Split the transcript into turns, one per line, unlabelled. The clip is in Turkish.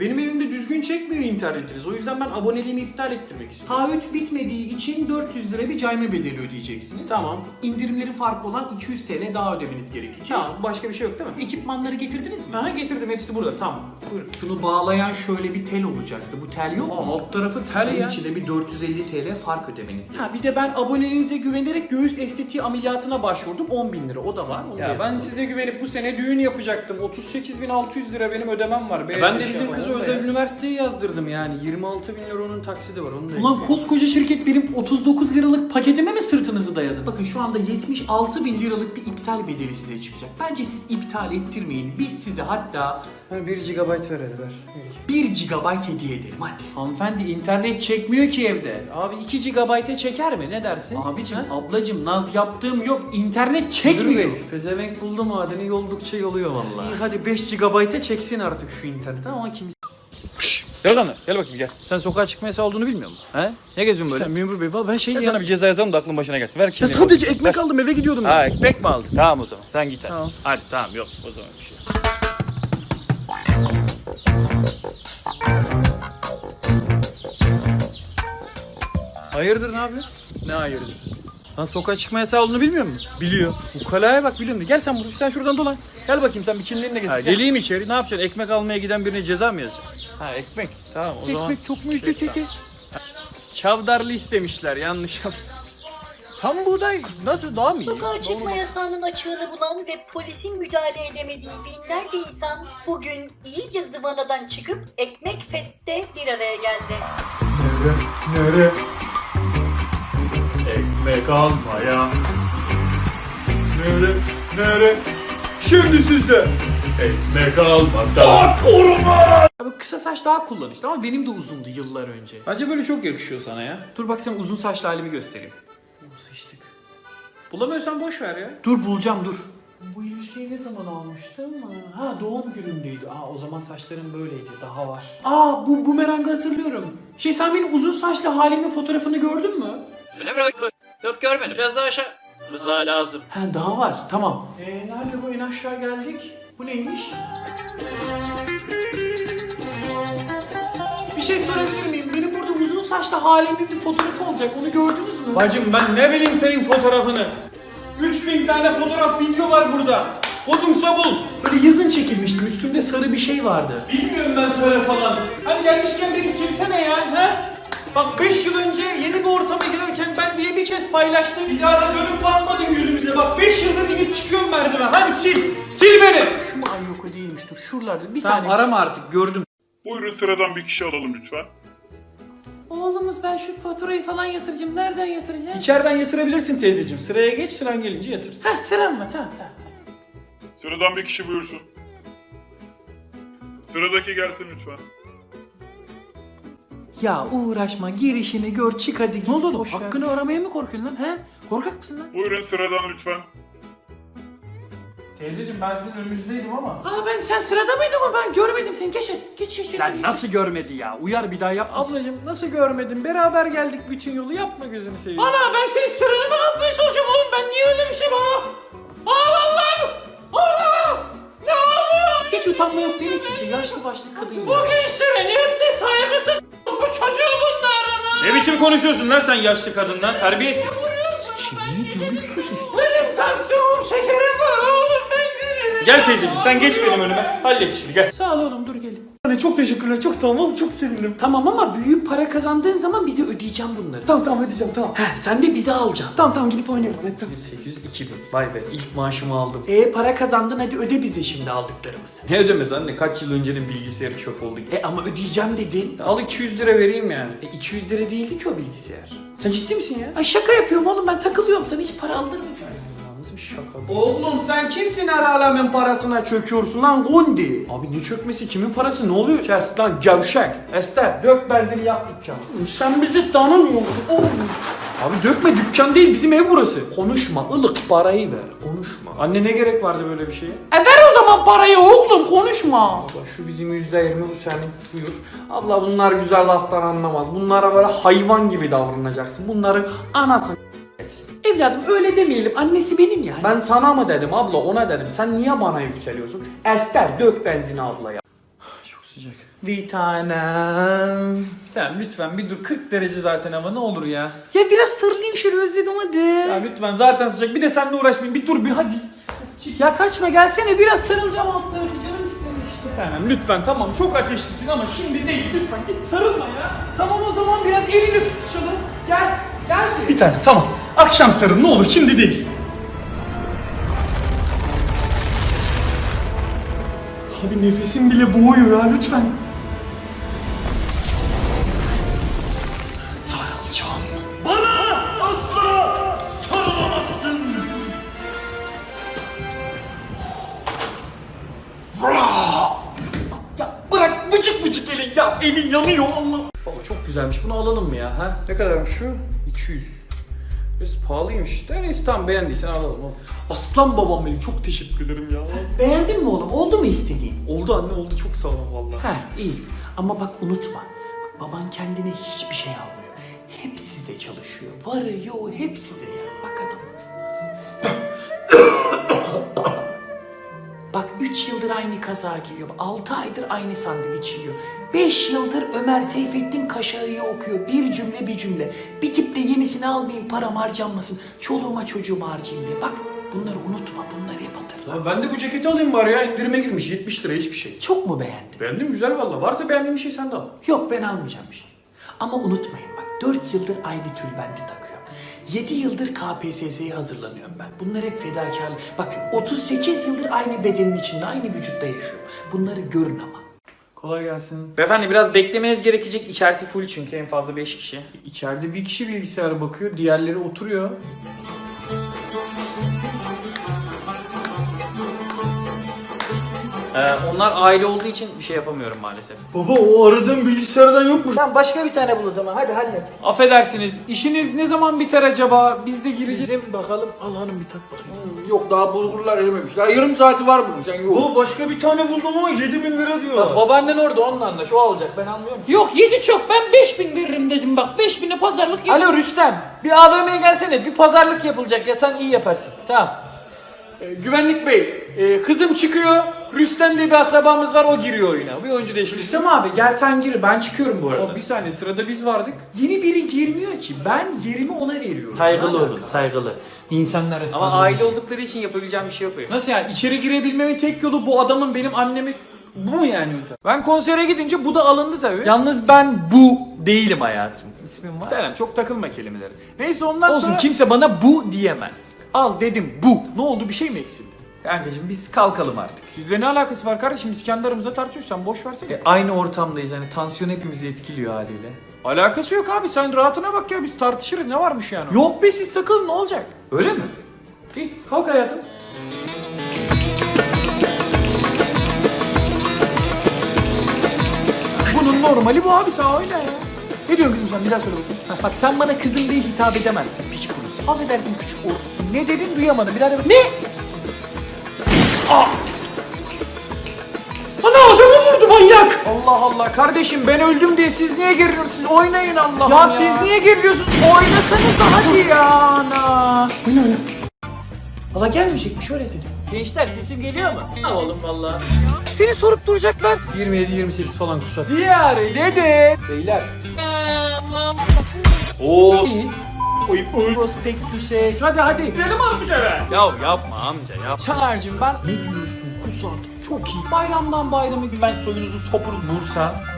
Benim evimde düzgün çekmiyor internetiniz. O yüzden ben aboneliğimi iptal ettirmek istiyorum.
Taahhüt bitmediği için 400 lira bir cayma bedeli ödeyeceksiniz.
Tamam.
İndirimlerin farkı olan 200 TL daha ödemeniz gerekecek.
Tamam, başka bir şey yok değil mi?
Ekipmanları getirdiniz mi?
Aha, getirdim, hepsi burada. Tamam. Buyurun.
Şunu bağlayan şöyle bir tel olacaktı. Bu tel yok mu?
Alt tarafı tel
Bunun
ya.
içinde bir 450 TL fark ödemeniz gerekiyor.
Ha, bir de ben aboneliğinize güvenerek göğüs estetiği ameliyatına başvurdum. 10.000 lira. O da var. Onu da
Ya ben
yazdım.
size güvenip bu sene düğün yapacaktım. 38.600 lira benim ödemem var.
Ben de bizim kızı özel üniversiteye yazdırdım yani. 26.000 lira onun taksidi var. Onu da
Ulan koskoca şirket benim 39 liralık paketime mi sırtınızı dayadınız? Bakın şu anda 76 bin liralık bir iptal bedeli size çıkacak. Bence siz iptal ettirmeyin. Biz size hatta
1 GB ver hadi ver.
1 GB hediye edelim hadi.
Hanımefendi internet çekmiyor ki evde. Abi 2 GB'e çeker mi? Ne dersin?
Abicim,
Ha?
ablacım naz yaptığım yok. İnternet
Müdür
çekmiyor.
Bey, pezevenk buldu madeni yoldukça yoluyor vallahi. İyi hadi 5 GB'e çeksin artık şu interneti ama kim...
Gel lan gel bakayım gel. Sen sokağa çıkma yasağı olduğunu bilmiyor musun? He? Ne geziyorsun böyle?
Sen memur bey valla ben şey
Ben
ya...
sana bir ceza yazalım da aklın başına gelsin. Ver
Ya
kimliğini.
sadece ekmek aldım eve gidiyordum.
Ha ekmek mi aldın? Tamam o zaman sen git hadi.
Tamam.
Hadi tamam yok o zaman bir şey.
Hayırdır ne yapıyorsun? Ne hayırdır? Lan sokağa çıkma yasağı olduğunu bilmiyor musun? Biliyor. Bu kalaya bak biliyorum. Gel sen buraya. Sen şuradan dolan. Gel bakayım sen bir kimliğini de getir.
Ha,
Gel.
geleyim içeri ne yapacaksın? Ekmek almaya giden birine ceza mı yazacaksın? Ha ekmek. Tamam o zaman.
Ekmek çok mu ücretli?
Çavdarlı istemişler yanlış yap. Tam buğday nasıl daha mı iyi?
Sokağa çıkma yasağının açığını bulan ve polisin müdahale edemediği binlerce insan bugün iyice zıvanadan çıkıp Ekmek Fest'te bir araya geldi.
Nere? Ekmek almaya. Nere? Şimdi sizde. Ekmek almada.
Abi kısa saç daha kullanışlı ama benim de uzundu yıllar önce.
Bence böyle çok yakışıyor sana ya.
Dur bak sana uzun saçlı halimi göstereyim.
Sıçtık.
Bulamıyorsan boş ver ya.
Dur bulacağım dur.
Bu elbiseyi ne zaman almıştım? Ha doğum günümdeydi. O zaman saçlarım böyleydi. Daha var.
Bu bumerangı hatırlıyorum. Sen benim uzun saçlı halimin fotoğrafını gördün mü?
Öyle mi? Yok görmedim. Biraz daha aşağı. Rıza lazım.
Ha daha var. Tamam. Nerede bu en aşağı geldik? Bu neymiş? Bir şey sorabilir miyim? Benim burada uzun saçlı halimin bir fotoğrafı olacak. Onu gördünüz mü?
Bacım ben ne bileyim senin fotoğrafını. 3000 tane fotoğraf video var burada. Kodunsa bul.
Böyle yazın çekilmiştim. Üstümde sarı bir şey vardı.
Bilmiyorum ben söyle falan. Hani gelmişken beni silsene ya. He? Bak 5 yıl önce yeni bir ortama girerken ben diye bir kez paylaştım. Bir daha da dönüp bakmadın yüzümüze. Bak 5 yıldır inip çıkıyorum merdiven. Hadi sil. Sil beni.
Şu mu? Ay yok o değilmiş. Dur şuralarda. Bir
Tamam
saniye.
arama artık gördüm.
Buyurun sıradan bir kişi alalım lütfen.
Oğlumuz ben şu faturayı falan yatıracağım. Nereden yatıracağım?
İçeriden yatırabilirsin teyzeciğim. Sıraya geç sıran gelince yatırsın.
Ha sıram mı? Tamam.
Sıradan bir kişi buyursun. Sıradaki gelsin lütfen.
Ya uğraşma girişini gör çık hadi git.
Ne oldu oğlum?
Boş ver.
Hakkını aramaya mı korkuyorsun lan? He? Korkak mısın lan?
Buyurun sıradan lütfen.
Teyzeciğim ben sizin önünüzdeydim ama.
Sen sırada mıydın o? Ben görmedim seni. Geç hadi. Geç.
Lan nasıl görmedi ya? Uyar bir daha yapmasın. Ablacığım nasıl görmedin? Beraber geldik bütün yolu. Yapma gözünü seveyim.
Ana ben senin sıranı mı yapmaya çalışıyorum oğlum? Ben niye öyle bir şey bana? Allah'ım! Allah! Ne oluyor? Hiç utanma yok değil mi sizde? Yaşlı başlı kadın ya. Bu gençlerin hepsi saygısız. Bu çocuğu bunların.
Ne biçim konuşuyorsun lan sen yaşlı kadınla? Terbiyesiz.
Benim tansiyonum şekerim var oğlum ben veririm.
Gel teyzeciğim sen geç benim önüme. Hallet işini gel.
Sağ ol oğlum dur gelin. Çok teşekkürler çok sağ ol oğlum çok sevinirim. Tamam ama büyük para kazandığın zaman bize ödeyeceğim bunları. Tamam ödeyeceğim tamam. Sen de bize alacaksın. Tamam gidip oynayalım hadi tamam.
800 2000. Vay be ilk maaşımı aldım.
Para kazandın hadi öde bize şimdi aldıklarımızı.
Ne ödemez anne? Kaç yıl öncenin bilgisayarı çöp oldu.
Ama ödeyeceğim dedin.
Al 200 lira vereyim yani.
200 lira değildi ki o bilgisayar.
Sen ciddi misin ya?
Ay şaka yapıyorum oğlum ben takılıyorum sana hiç para aldırmayacağım.
Nasıl bir şaka bu?
Oğlum sen kimsin el alemin parasına çöküyorsun lan Gundi?
Abi ne çökmesi? Kimin parası? Ne oluyor?
Kes lan gevşek. Ester dök benzini yak dükkan. Sen bizi tanımıyorsun oğlum.
Abi dökme dükkan değil bizim ev burası.
Konuşma ılık parayı ver konuşma.
Anne ne gerek vardı böyle bir şeye?
Ver o zaman parayı oğlum konuşma.
Bak şu bizim %20 bu senin buyur. Abla bunlar güzel laftan anlamaz. Bunlara böyle hayvan gibi davranacaksın. Bunların anasını
Evladım öyle demeyelim annesi benim ya.
ben sana mı dedim abla ona dedim. Sen niye bana yükseliyorsun? Ester dök benzini ablaya. Çok sıcak.
Bir tanem.
Bir tane lütfen bir dur, 40 derece zaten hava, ne olur ya.
Ya biraz sarılayım şöyle, özledim hadi.
Ya lütfen zaten sıcak, bir de seninle uğraşmayayım, bir dur bir hadi.
Ya kaçma, gelsene, biraz sarılacağım alt tarafı, canım istemiş.
Bir tanem lütfen, tamam çok ateşlisin ama şimdi değil, lütfen git sarılma ya.
Tamam o zaman biraz elini tutuşalım. Gel, gel.
Bir tane tamam, akşam sarıl ne olur, şimdi değil. Abi nefesim bile boğuyor ya, lütfen. Sarılacağım. Bana asla sarılamazsın. Ya bırak, vıcık vıcık elin ya, elin yanıyor Allah. Baba çok güzelmiş, bunu alalım mı ya? Ha? Ne kadarmış şu? 200. Biraz pahalıymış. Neyse tamam, beğendiysen alalım. Aslan babam benim, çok teşekkür ederim ya.
Beğendin mi oğlum? Oldu mu istediğin?
Oldu anne, oldu, çok sağ ol vallahi.
Ha iyi. Ama bak unutma. Bak, baban kendine hiçbir şey almıyor. Hep size çalışıyor. Varı yoğu hep size ya. Bak adam. Bak 3 yıldır aynı kaza giyiyor. 6 aydır aynı sandviç yiyor. 5 yıldır Ömer Seyfettin Kaşağı'yı okuyor. Bir cümle bir cümle. Bir tiple yenisini almayayım, param harcanmasın. Çoluğuma çocuğuma harcayayım diye. Bak bunları unutma, bunları hep hatırla.
Ya ben de bu ceketi alayım bari ya, indirime girmiş 70 lira, hiçbir şey.
Çok mu beğendin?
Beğendim, güzel valla. Varsa beğendiğin bir şey sen de al.
Yok ben almayacağım bir şey. Ama unutmayın bak 4 yıldır aynı tülbenti takıyorum. 7 yıldır KPSS'ye hazırlanıyorum ben. Bunlar hep fedakarlık. Bak 38 yıldır aynı bedenin içinde, aynı vücutta yaşıyorum. Bunları görün ama.
Kolay gelsin.
Beyefendi biraz beklemeniz gerekecek. İçerisi full çünkü en fazla 5 kişi.
İçeride bir kişi bilgisayara bakıyor, diğerleri oturuyor.
Onlar aile olduğu için bir şey yapamıyorum maalesef.
Baba o aradığım bilgisayardan yokmuş.
Tamam başka bir tane bul o zaman. Hadi hallet.
Affedersiniz, işiniz ne zaman biter acaba? Biz de gireceğiz.
Bizim bakalım. Al hanım bir tak bakayım.
Yok daha bulgurlar erimemiş. Ya yarım saati var bunun sen yok.
Bu başka bir tane buldum ama 7.000 lira diyor.
Bak babaannen orada, onunla anlaş. O alacak, ben almıyorum ki.
Yok 7 çok, ben 5000 veririm dedim bak. 5000'e pazarlık yap.
Alo Rüstem, bir AVM'ye gelsene. Bir pazarlık yapılacak ya, sen iyi yaparsın. Tamam.
Güvenlik bey, kızım çıkıyor. Rüstem diye bir akrabamız var, o giriyor oyuna. Bir oyuncu değişikliği.
Rüstem abi gel sen gir, ben çıkıyorum bu arada.
Ama bir saniye, sırada biz vardık.
Yeni biri girmiyor ki. Ben yerimi ona veriyorum.
Saygılı
Ne
olun,
alaka?
saygılı.
İnsanlar arasında.
Ama aile oldukları için yapabileceğim bir şey yok benim.
Nasıl yani? İçeri girebilmemin tek yolu bu adamın benim annemi... Bu mu yani? Ben konsere gidince bu da alındı tabii.
Yalnız ben bu değilim hayatım. İsmim var.
Tamam, çok takılma kelimeleri. Neyse ondan
Olsun
sonra...
kimse bana bu diyemez.
Al dedim bu. Ne oldu, bir şey mi eksildi?
Kankacığım biz kalkalım artık.
Sizle ne alakası var kardeşim? Biz kendi aramızda tartışıyoruz, sen boş versene.
Aynı ortamdayız hani tansiyon hepimizi etkiliyor haliyle.
Alakası yok abi, sen rahatına bak ya, biz tartışırız, ne varmış yani?
Yok be siz takılın ne olacak?
Öyle mi? İyi, kalk hayatım. Bunun normali bu abi, sen oyna ya. Ne diyorsun kızım sen, bir daha söyle bakayım.
Bak sen bana kızım diye hitap edemezsin piç kurusu. Affedersin küçük or. Ne dedin duyamadım bir daha de bak. Ne?
Ana adamı vurdu manyak. Allah Allah kardeşim, ben öldüm diye siz niye geriliyorsunuz? Siz oynayın Allah'ım ya.
Ya siz niye geriliyorsunuz? Oynasanız da hadi ya ana.
Valla gelmeyecekmiş öyle dedi.
Gençler sesim geliyor mu? Ha oğlum valla.
Seni sorup duracaklar.
27-28 falan kusat.
Diğer dede.
Beyler.
Oo.
Prospektüse.
Hadi hadi. Gidelim artık eve.
Ya yapma amca yap.
Çağlar'cığım ben... Ne diyorsun kusat? Çok iyi. Bayramdan bayrama gibi ben soyunuzu sopuruz.
Bursa